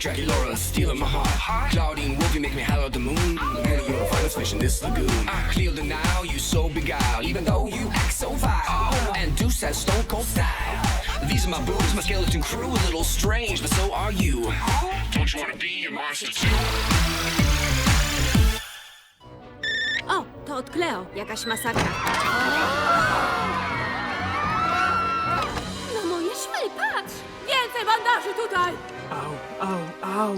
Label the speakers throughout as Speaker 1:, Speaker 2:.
Speaker 1: Dracula stealing my heart. Claudine Wolfie make me holler at the moon. Man, you're the finest fish in this lagoon. I clear the now, you so beguiled, even though you act so vile. And Deuce has stone cold style. These are my boobs, my skeleton crew, a little strange, but so are you. Don't you wanna be a monster too?
Speaker 2: O, to od Cleo. Jakaś masakra.
Speaker 3: No moje szwy, patrz! Więcej bandaży tutaj!
Speaker 4: Au.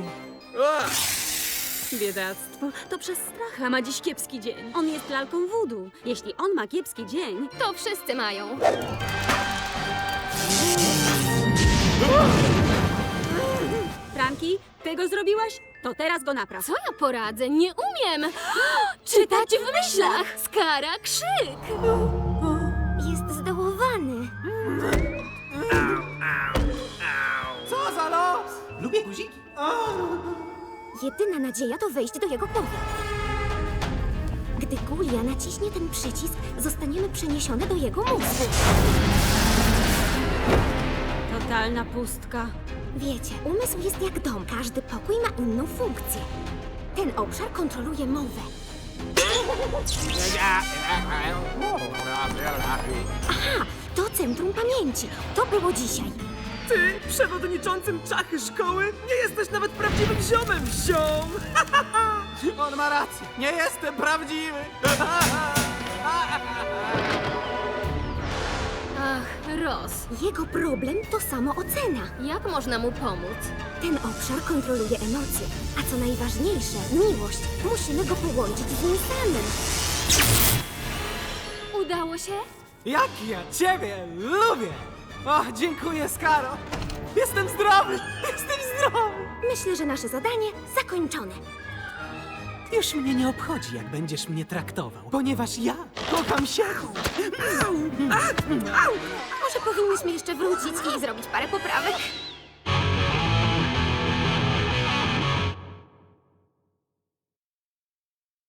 Speaker 2: Biedactwo. To przez stracha ma dziś kiepski dzień. On jest lalką voodoo. Jeśli on ma kiepski dzień...
Speaker 3: To wszyscy mają.
Speaker 2: Franki, ty go zrobiłaś? To teraz go napraw.
Speaker 3: Co ja poradzę? Nie umiem! Czytać w myślach! Skara krzyk! Jest zdołowany.
Speaker 4: Co za los! Lubię guziki.
Speaker 3: Jedyna nadzieja to wejść do jego głowy. Gdy Gulia naciśnie ten przycisk, zostaniemy przeniesione do jego mózgu.
Speaker 2: Totalna pustka.
Speaker 3: Wiecie, umysł jest jak dom. Każdy pokój ma inną funkcję. Ten obszar kontroluje mowę. Aha, to centrum pamięci. To było dzisiaj.
Speaker 4: Ty, przewodniczącym czachy szkoły, nie jesteś nawet prawdziwym ziomem, ziom! On ma rację, nie jestem prawdziwy!
Speaker 3: Ach, Ross, Jego problem to samoocena.
Speaker 5: Jak można mu pomóc?
Speaker 3: Ten obszar kontroluje emocje. A co najważniejsze, miłość. Musimy go połączyć z nim samym.
Speaker 5: Udało się?
Speaker 4: Jak ja ciebie lubię! O, dziękuję, Skaro! Jestem zdrowy! Jestem zdrowy!
Speaker 3: Myślę, że nasze zadanie zakończone.
Speaker 4: Już mnie nie obchodzi, jak będziesz mnie traktował, ponieważ ja kocham siebie!
Speaker 3: Może powinniśmy jeszcze wrócić i zrobić parę poprawek?